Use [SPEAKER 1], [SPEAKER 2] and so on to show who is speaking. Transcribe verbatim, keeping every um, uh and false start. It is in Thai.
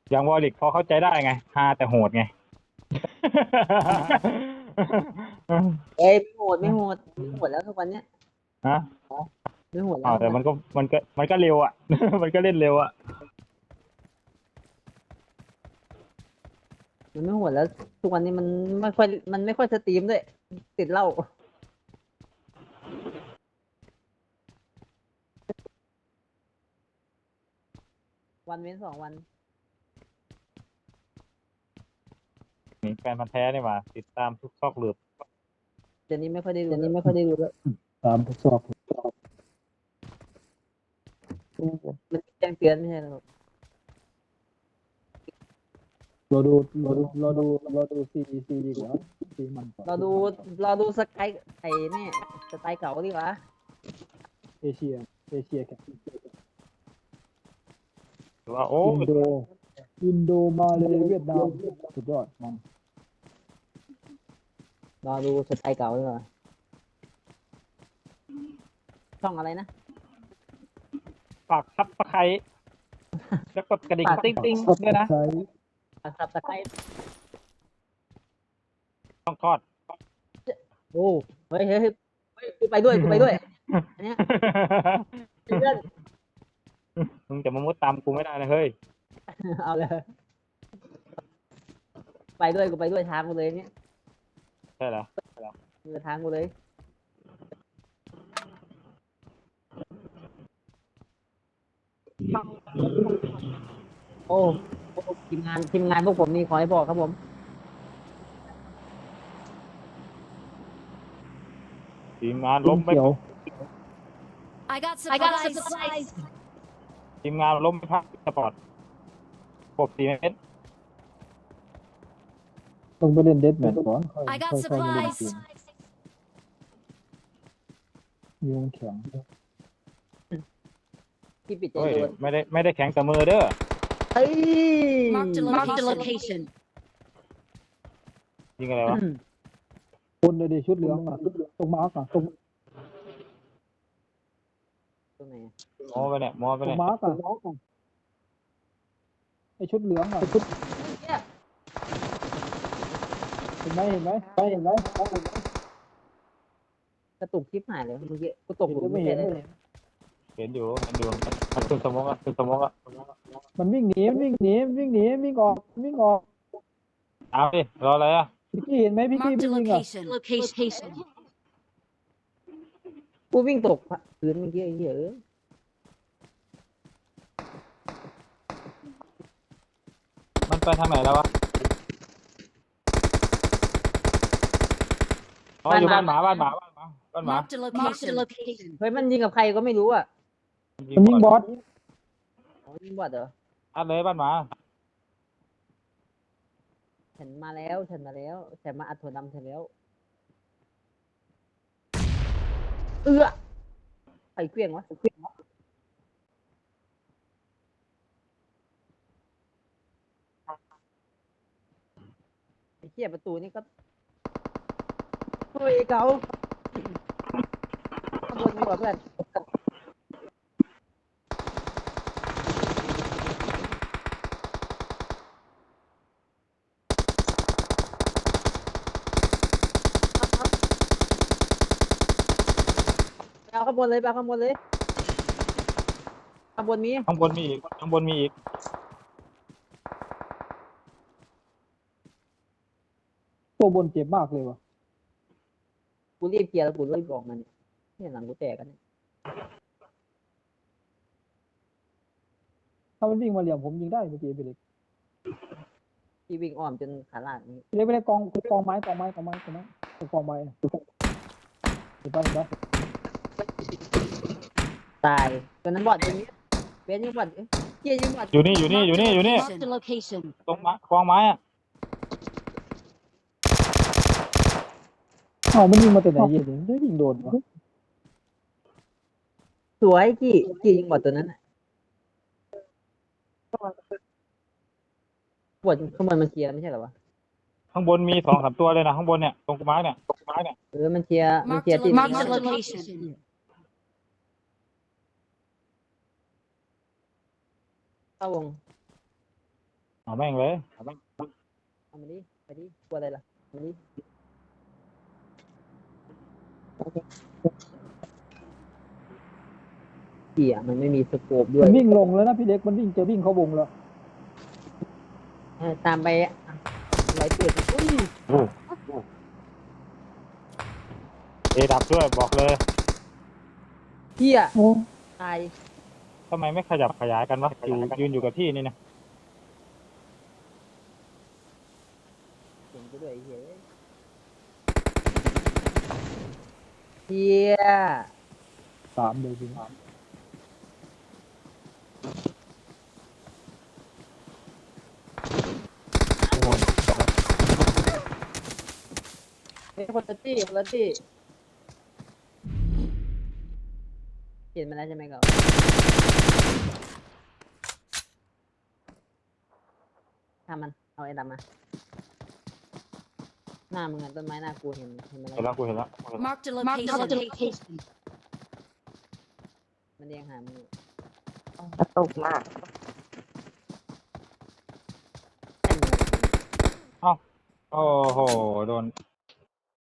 [SPEAKER 1] อย่างวอลิกพอเข้าใจได้ไงฮาแต่โหดไง
[SPEAKER 2] เอ้ยไม่โหดไม่โหดไม่โหดแล้วทุกวันเนี้ย
[SPEAKER 1] ฮะ
[SPEAKER 2] ไม่โหดแล้
[SPEAKER 1] อ๋อ
[SPEAKER 2] วทุกวัน
[SPEAKER 1] แต่มันก็มันก็มันก็เร็วอ่ะ มันก็เล่นเร็วอ่ะ
[SPEAKER 2] มันไม่โหดแล้วทุกวันนี้มันไม่ค่อยมันไม่ค่อยสตรีมด้วยติดเหล้าวันเว้นสองวัน
[SPEAKER 1] นี่แฟนพันธุ์แท้นี่หว่าติดตามทุกซอกหลืบ
[SPEAKER 2] เดี๋ยวนี้ไม่ค่อยได้ดูเดี๋ยวนี้ไม่ค่อยได้ดูแล้ว
[SPEAKER 3] ตามทดสอบ
[SPEAKER 2] มันแจ้งเตือนไม่ใช่หรอ
[SPEAKER 3] เราดูเราดูเราดูเราดูซีซีดีกว่าซีมันกว่า
[SPEAKER 2] เราดูเราดูสกายไอ้นี่สไตล์เก่าดีกว่า
[SPEAKER 3] เอเชียเอเชียแข่ง
[SPEAKER 1] หรือว่าโอ้
[SPEAKER 3] อินโดอินโดมาเลยเวียดนามสุดยอดมัน
[SPEAKER 2] เราดูสไตล์เก่าดีกว่าช่องอะไรนะ
[SPEAKER 1] ฝากซับสไครต์แล้วกดกระดิ่งติ๊งติ๊งด้วยนะ
[SPEAKER 3] ใช้
[SPEAKER 2] สับสไตล์
[SPEAKER 1] ต้องทอด
[SPEAKER 2] โอ้เฮ้ยเฮ้ยเฮ้ยเฮ้ยกูไปด้วยกูไปด้วยอันเนี้ยเพื่อน
[SPEAKER 1] มึงจะมามุดตามกูไม่ได้นะเฮ้ย
[SPEAKER 2] เอาเลยไปด้วยกูไปด้วยทางกูเลยเนี่ย
[SPEAKER 1] ใช่เหรอ
[SPEAKER 2] เออทางกูเลยโอ้โอ้ทีมงานทีมงานพวกผมนี่ขอให้บอกครับผม
[SPEAKER 1] ทีมงาน
[SPEAKER 3] ล้
[SPEAKER 1] ล้
[SPEAKER 3] ม
[SPEAKER 1] มไป
[SPEAKER 3] เขียว
[SPEAKER 4] I got
[SPEAKER 5] I got
[SPEAKER 4] supplies.
[SPEAKER 5] supplies.
[SPEAKER 1] ทีมงานล้มไปพักสปอร์ตครบสี่เมตร
[SPEAKER 3] ต้องไปเล่นเดดแมทก่อนค่อย
[SPEAKER 4] I got
[SPEAKER 3] ค่อยค่อยมาเล่นเก
[SPEAKER 4] supplies.
[SPEAKER 3] มยุงแข็ง
[SPEAKER 2] ที่ปิดใจ
[SPEAKER 1] เฮ้ย
[SPEAKER 2] โดน
[SPEAKER 1] ไม่ได้ไม่ได้แข็งแต่มือเด้อ
[SPEAKER 2] เฮ้ย
[SPEAKER 4] Marked a
[SPEAKER 5] Marked a
[SPEAKER 4] location.
[SPEAKER 5] location.
[SPEAKER 1] ยิงอะไรวะ
[SPEAKER 3] คนเลยดิชุดเหลืองอ่ะตรงมาร์กอ่ะตรง
[SPEAKER 2] ตรงไหนอะ
[SPEAKER 1] มอไปเนี่ยมอไป
[SPEAKER 3] ตร
[SPEAKER 1] เนี่
[SPEAKER 3] ง
[SPEAKER 1] ย
[SPEAKER 3] มาร์กอ่ะไอชุดเหลืองอ่ะชุด
[SPEAKER 2] เนี่ย
[SPEAKER 3] เห็นไหมเห็นไหมเห็นไหม
[SPEAKER 2] กระตุกคลิปหายเลยเมื่อกี้กูตกหลุม
[SPEAKER 3] ไม่
[SPEAKER 2] ไม่
[SPEAKER 3] เห็
[SPEAKER 2] ใช่
[SPEAKER 3] น
[SPEAKER 2] เลย
[SPEAKER 1] เห็นอยู่เห็นอยู่มันขึ้นสมองอ่ะขึ้นสมองอ่ะ
[SPEAKER 3] มันวิ่งหนีมันวิ่งหนีมันวิ่งหนีวิ่งออกวิ่งออก
[SPEAKER 1] เอาดิรออะไรอ่ะ
[SPEAKER 3] พี่กี้เห็นไหมพี่กี้
[SPEAKER 4] Marked a
[SPEAKER 3] วิ่งอ่ะ
[SPEAKER 4] location.
[SPEAKER 5] Location.
[SPEAKER 2] กูวิ่งตกพื้นเมื่อกี้ไอ้เหี้ยเออ
[SPEAKER 1] มันไปทางไหนแล้ววะอ๋ออยู่บ้านหมาบ้านหมาบ้านหมาบ้านหมา
[SPEAKER 4] Marked a
[SPEAKER 5] Marked a
[SPEAKER 4] location.
[SPEAKER 5] location.
[SPEAKER 2] เฮ้ยมันยิงกับใครก็ไม่รู้อ่ะ
[SPEAKER 3] มันยิงบอส
[SPEAKER 2] อ๋อยิงบอดเหรอ
[SPEAKER 1] อัดเลยบ้านหมา
[SPEAKER 2] ฉันมาแล้วฉันมาแล้วฉันมาอัดถั่วดำฉันแล้วเอื้อใครเครื่องวะเครื่องวะไอ้เหี้ยประตูนี่ก็เฮ้ยเก๋าข้างบนมีกว่าเพื่อนไปเอาข้างบนเลยไปเอาข้างบนเลยข้างบนมี
[SPEAKER 1] ข้างบนมีอีกข้างบนมีอีก
[SPEAKER 3] ตัวบนเจ็บมากเลยวะ
[SPEAKER 2] กูรีบเคลียร์แล้วกูรีบบอกมันเนี่ยหลังกูแตกกันเนี่ย
[SPEAKER 3] ถ้ามันวิ่งมาเหลี่ยมผมยิงได้เมื่อกี้ไปเลย
[SPEAKER 2] ที่วิ่งอ้อมจนขาลาดนี่
[SPEAKER 3] ไปเลยไปเลยกองกองไม้กองไม้กองไม้กองไม้กองไม้เห็นปะเห็นปะ
[SPEAKER 2] ตายตัวนั้นบอดตัวนี้เบนยิงบอดเอ้ยเกียยิงบอด
[SPEAKER 1] อยู่นี่อยู่นี่อยู่นี่อยู่นี่
[SPEAKER 5] Marked a location.
[SPEAKER 1] ตรงไม้คลองไม้อ่ะ
[SPEAKER 3] เอ้ามันยิงมาแต่ไหนเย็นเลยไม่ยิงโดนวะ
[SPEAKER 2] สวยกี้กี้ยิงบอดตัวนั้นน่ะบอดข้างบนมันเคลียร์ไม่ใช่เหรอวะ
[SPEAKER 1] ข้างบนมีสองสามตัวเลยนะข้างบนเนี่ยตรงไม้เนี่ยตรงไม้เนี่ย
[SPEAKER 2] เออมันเคลียร์มันเคลียร์ที่
[SPEAKER 5] Marked a
[SPEAKER 4] Marked a
[SPEAKER 5] location.
[SPEAKER 2] เข้าวง
[SPEAKER 1] เอาแม่งเลยเอาแม่ง
[SPEAKER 2] เอามาดิไปดิกลัวอะไรล่ะเอามาดิเหี้ยมันไม่มีสโคปด้ว
[SPEAKER 3] มั
[SPEAKER 2] ย
[SPEAKER 3] นวิ่งลงแล้วนะพี่เล็กมันวิ่งจะวิ่งเข้าวงแล้ว
[SPEAKER 2] เออตามไปไรเปิดอุ้ย
[SPEAKER 1] เอดับด้วยบอกเลย
[SPEAKER 2] เหี้ย
[SPEAKER 3] โอ้
[SPEAKER 2] ตาย
[SPEAKER 1] ทำไมไม่ขยับขยายกันวะอยู่ยืนอยู่กับที่นี่นะ
[SPEAKER 2] เห็นกูด้วยไอ้เหี้ยเหี้ย
[SPEAKER 3] สามเลยจริง
[SPEAKER 2] เฮ้ยคนละตี้คนละตี้เห็นมาแล้วใช่ไหมครับทำมันเอาไอ้ดำมาหน้ามึงอะต้นไม้หน้ากูเห็นเห็นมา
[SPEAKER 1] เห็น
[SPEAKER 2] แล้
[SPEAKER 1] แล้ว วกูเห็นแล้ว
[SPEAKER 4] Marked a location. Marked a location.
[SPEAKER 2] มันเรียงหามึงอยู่
[SPEAKER 5] กระตุกมาก
[SPEAKER 2] แค่มึงอะ
[SPEAKER 1] โอ้โหโดน